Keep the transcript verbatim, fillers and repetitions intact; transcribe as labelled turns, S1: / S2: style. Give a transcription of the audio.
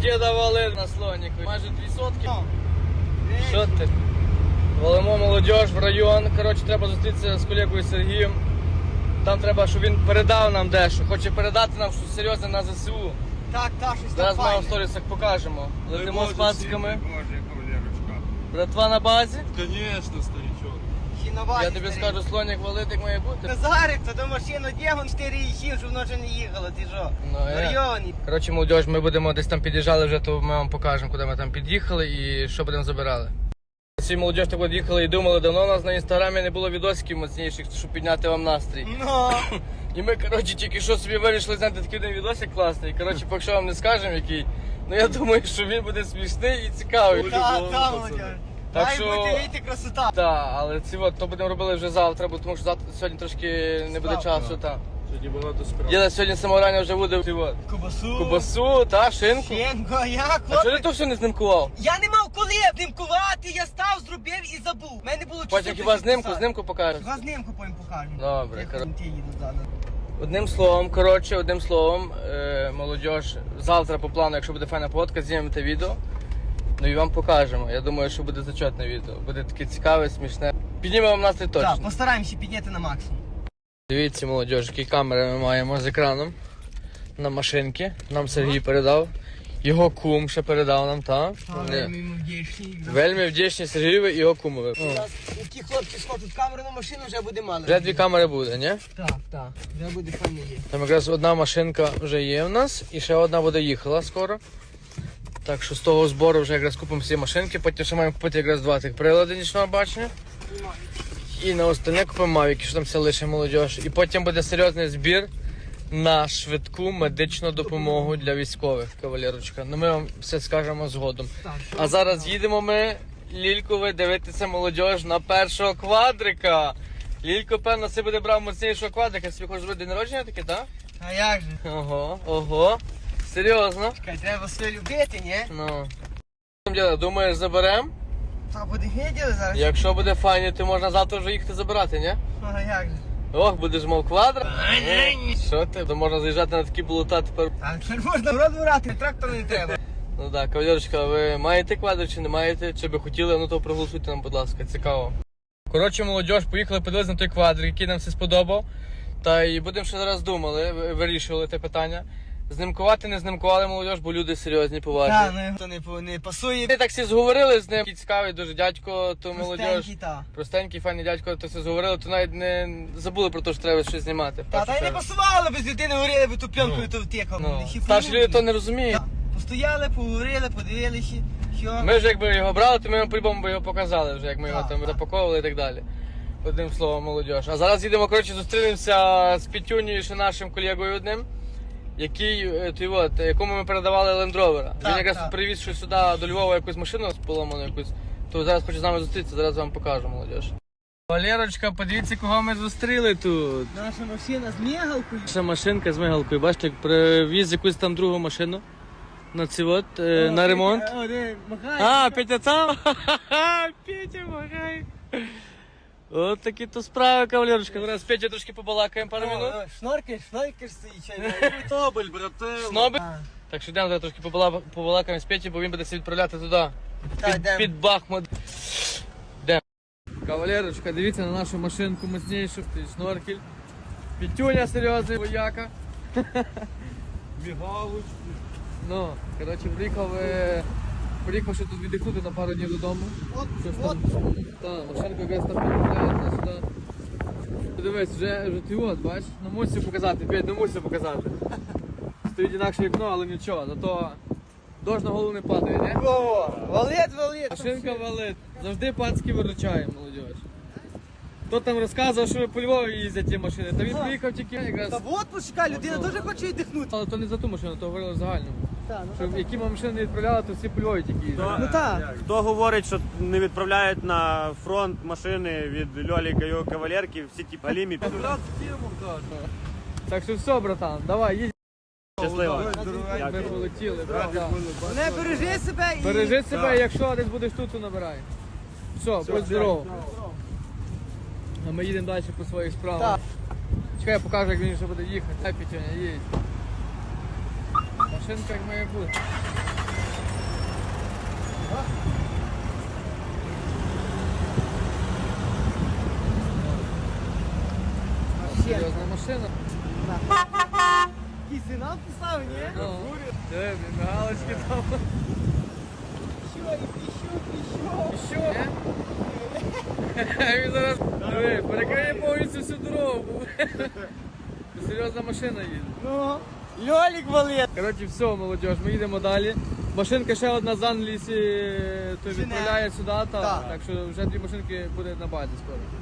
S1: діда вали на слоніку. Майже дві сотки. Що ти? Валимо молодіж в район. Коротше, треба зустрітися з колегою Сергієм. Там треба, щоб він передав нам дещо. Хоче передати нам щось серйозне на ЗСУ.
S2: Так, так, щось там
S1: Зараз ми вам в
S2: файне.
S1: сторісах покажемо. Летимо з пациками. Братва на базі.
S3: Конечно, старичок.
S2: Ще на базі
S1: Я тобі
S2: старий.
S1: скажу, слонік валить, як має бути.
S2: Назарик, то до машину дігон чотири і сім, щоб воно вже не їхало, ти що?
S1: Ну, я.
S2: Варйоні.
S1: Коротше, молодіж, ми будемо десь там під'їжджали вже, то ми вам покажемо, куди ми там під'їхали і що будемо забирали. Всі молодіж так от їхали і думали, давно у нас на інстаграмі не було відосиків моцніших, щоб підняти вам настрій.
S2: Ну,
S1: І ми, коротше, тільки що собі вирішили зняти такий один відосик класний. Коротше, поки що вам не скажемо який. Ну я думаю, що він буде смішний і цікавий.
S3: Ой.
S2: та,
S3: Любого,
S2: та,
S3: пацани.
S2: Володя.
S1: Так
S2: Має
S1: що-
S2: бути вийти красота.
S1: Так, але ці от, то будемо робити вже завтра, бо тому що завтра сьогодні трошки не буде
S2: Справа.
S1: часу. Та.
S3: Сьогодні багато справ.
S1: Діда сьогодні з самого рання вже буде ці от,
S2: Кубасу.
S1: кубасу, та, шинку.
S2: Щенко, а як,
S1: А чого ти
S2: хлопець?
S1: то все не знимкував?
S2: Я не мав коли обнімкувати, я став, зробив і забув. У мене було часу.
S1: Потім хіба знимку,
S2: писати.
S1: знимку покажеш.
S2: Хіба знимку потім покажу.
S1: Добре,
S2: Як
S1: хорошо.
S2: ті їдуть ззаду.
S1: Одним словом, коротше, одним словом, е, молодіж, завтра по плану, якщо буде файна фотка, знімемо те відео. Ну і вам покажемо. Я думаю, що буде зачетне відео. Буде таке цікаве, смішне. Піднімемо вам настрій точно.
S2: Так, постараємося підняти на максимум.
S1: Дивіться, молодіж, які камери ми маємо з екраном на машинки. Нам Сергій передав. Його кум ще передав нам, так?
S2: Але ми йому вдячні.
S1: Вельми вдячні Сергієві і його кумові.
S2: У нас ті хлопці схочуть камеру на машину, вже буде мало.
S1: Вже дві камери буде, ні?
S2: Так, так, вже буде файно є.
S1: Там якраз одна машинка вже є в нас і ще одна буде їхала скоро. Так що з того збору вже якраз купимо всі машинки, потім ще маємо купити якраз два тих прилади нічного бачення. І на остальне купимо мавіки, що там все лише молодіж. І потім буде серйозний збір на швидку медичну допомогу для військових, кавалерочка. Ну ми вам все скажемо згодом.
S2: Так, що
S1: А зараз їдемо ми, Лільку, ви дивитися молодіж на першого квадрика. Лілько, певно, це буде брав моцнішого квадрика. Собі хочеш зробити день народження таке, так?
S2: А як же?
S1: Ого, ого. Серйозно?
S2: Чекай, треба все любити, ні?
S1: Ну. Діда, думаєш, заберем?
S2: Та буде виділи зараз.
S1: Якщо буде файні, то можна завтра вже їхати забирати, ні?
S2: А як же?
S1: Ох, будеш мов квадра? Що ти? То можна заїжджати на такі болота тепер.
S2: А тепер можна в рот брати, трактор не треба.
S1: Ну так, кавалерочка, ви маєте квадр чи не маєте? Чи би хотіли, ну то проголосуйте нам, будь ласка, цікаво. Коротше, молодіж, поїхали, подивилися на той квадрик, який нам все сподобав. Та і будемо ще зараз думали, ви- вирішували те питання. Знимкувати не знимкували молодіж, бо люди серйозні, поважні.
S2: Та, ну то не, по- не пасує.
S1: Ми так всі зговорили з ним, такий цікавий дуже дядько, то молодіж.
S2: Простенький, та.
S1: Простенький, файний дядько, то все зговорили, то навіть не забули про те, що треба щось знімати.
S2: Та, та й не пасувало, без людини говорили, би ту пленкою то втекав.
S1: Ну, старші люди то не розуміють.
S2: Постояли, поговорили, подивилися, що...
S1: Ми вже якби його брали, то ми йому по-любому би його показали вже, як ми його
S2: Так,
S1: там
S2: так.
S1: запаковували і так далі. Одним словом, молодіж. А зараз їдемо, коротше, зустрінемося з Петюнею, ще нашим колегою одним, який, е, той от, якому ми передавали Land Rover. Він
S2: Так,
S1: якраз
S2: так.
S1: привіз щось сюди до Львова, якусь машину поломану якусь, то зараз хоче з нами зустрітися, зараз вам покажу, молодіж. Валерочка, подивіться, кого ми зустріли тут.
S2: Наша машина з мігалкою.
S1: Наша машинка з мигалкою, бачите, як привіз якусь там другу машину на ці от, е, на ремонт.
S2: О, де, махай.
S1: А, Петя там? Ха-ха-ха, Петя, махай. От такі то справи, кавалерочка. Зараз з Петя трошки побалакаємо пару минут.
S2: Шноркаєш, шноркаєш стоїть, чай.
S3: Тобель, брате.
S1: Сноби.
S2: А.
S1: Так що йдемо зараз трошки побала- побалакаємо з Петю, бо він буде себе відправляти туди.
S2: Та,
S1: Під,
S2: йдемо.
S1: під Бахмут. Йдемо. Кавалерочка, дивіться на нашу машинку мощнішу, той шноркель. Петюня серйозний вояка.
S3: Мігалочки.
S1: Ну, коротше, приїхав, е, приїхав ще тут віддихнути на пару днів додому.
S2: От,
S1: Щось
S2: от.
S1: там, та, машинка якраз там підправляється сюди. Подивись, вже, вже ти от, бачиш, ну мусив показати, Петь, ну мусив показати. Стоїть інакше вікно, але нічого, зато дощ на голову не падає, не?
S2: О, валет, валет.
S1: Машинка валить, завжди пацки виручає, молодіж. Хто там розказував, що по Львові їздять ті машини, та він
S2: Ага.
S1: приїхав тільки якраз.
S2: Та от почекай, людина теж хоче віддихнути.
S1: Але то не за ту машину, то говорили в загальному.
S2: Та, ну,
S1: Що які ми машини не відправляли, то всі по Львові тільки їздять.
S2: Ну так.
S4: Хто говорить, що не відправляють на фронт машини від Льоліка і його кавалерки, всі ті галімі.
S1: Так що все, братан, давай, їдь.
S4: Щасливо.
S1: Ми полетіли, братан.
S2: Не бережи себе і...
S1: Бережи себе, якщо десь будеш тут, то набирай. Все, будь здоров. А ми їдемо далі по своїх справах.
S2: Так.
S1: Чекай, я покажу, як він ще буде їхати. Дай, Петюня, їдь. Машинка як має бути. Серйозна машина.
S2: Який сигнал писав, ні?
S1: Ну, диви, блін, галочки там.
S2: Що, і піщу, піщу.
S1: Що? Він зараз диви, перекриє повністю всю дорогу. Серйозна машина їде.
S2: Ну, Льолік валить.
S1: Коротше, все, молодіж, ми їдемо далі. Машинка ще одна з Англії то
S2: Жене.
S1: відправляє сюди, та,
S2: Так.
S1: так що вже дві машинки буде на базі скоро.